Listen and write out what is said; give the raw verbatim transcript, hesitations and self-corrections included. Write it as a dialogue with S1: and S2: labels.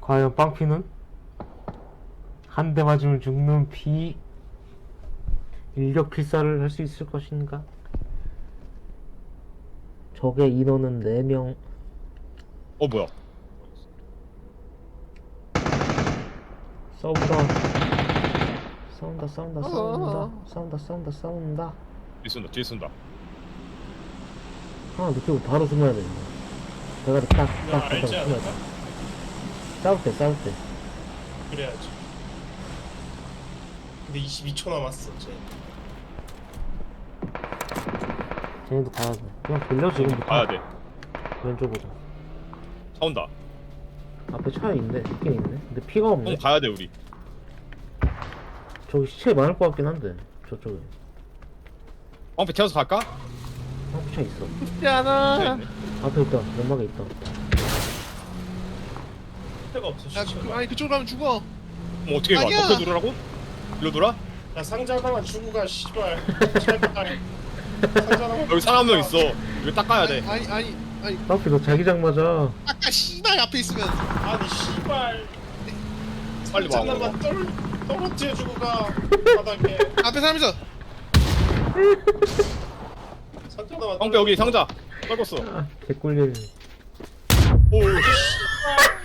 S1: 과연 빵피는 한 대 맞으면 죽는 피 일격 필살을 할 수 있을 것인가? 적의 인원은 네 명.
S2: 어 뭐야?
S1: 싸운다. 싸운다 싸운다 싸운다 싸운다 싸운다 싸운다.
S2: 뒤에 쏜다 뒤에 쏜다.
S1: 하나 느끼고 바로 숨어야 돼. 대가리 딱딱
S3: 나
S1: 딱
S3: 알지
S1: 숨어야
S3: 않을까?
S1: 돼. 싸울 때 싸울 때.
S3: 그래야지. 근데 이십이 초 남았어 쟤.
S1: 쟤네도 가야 돼. 그냥 돌려 지금부터.
S2: 가야 돼.
S1: 왼쪽으로.
S2: 차 온다.
S1: 앞에 차 있네. 있긴 있네. 근데 피가 없네.
S2: 형 가야 돼 우리.
S1: 저기 시체 많을 것 같긴 한데 저쪽에.
S2: 방패 태워서 갈까?
S1: 한차 있어.
S2: 차
S4: 야,
S2: 있네.
S1: 앞에 있다. 연막에 있다.
S3: 때가 없어. 시체.
S4: 그, 아니 그쪽으로 가면 죽어.
S2: 그럼 어떻게 가?
S4: 아니야.
S2: 덮여 누르라고? 일로 돌아?
S3: 야 상자 하나만 주고 가 씨발. 제발. 상자 하나만.
S2: 여기 사람 한 명 있어. 이거 닦아야 돼.
S4: 아니 아니 아니
S1: 앞에 너 자기장 맞아.
S4: 아까 씨발 앞에 있으면
S3: 아니 씨발.
S2: 빨리
S3: 상자
S2: 와.
S3: 하나만 떨 떨어뜨려 주고 가 바닥에.
S4: 앞에 사람 있어.
S3: 상자 하나만.
S2: 방패 여기 상자. 떨궜어.
S1: 아, 개꿀잼.
S2: 오.
S3: 씨발.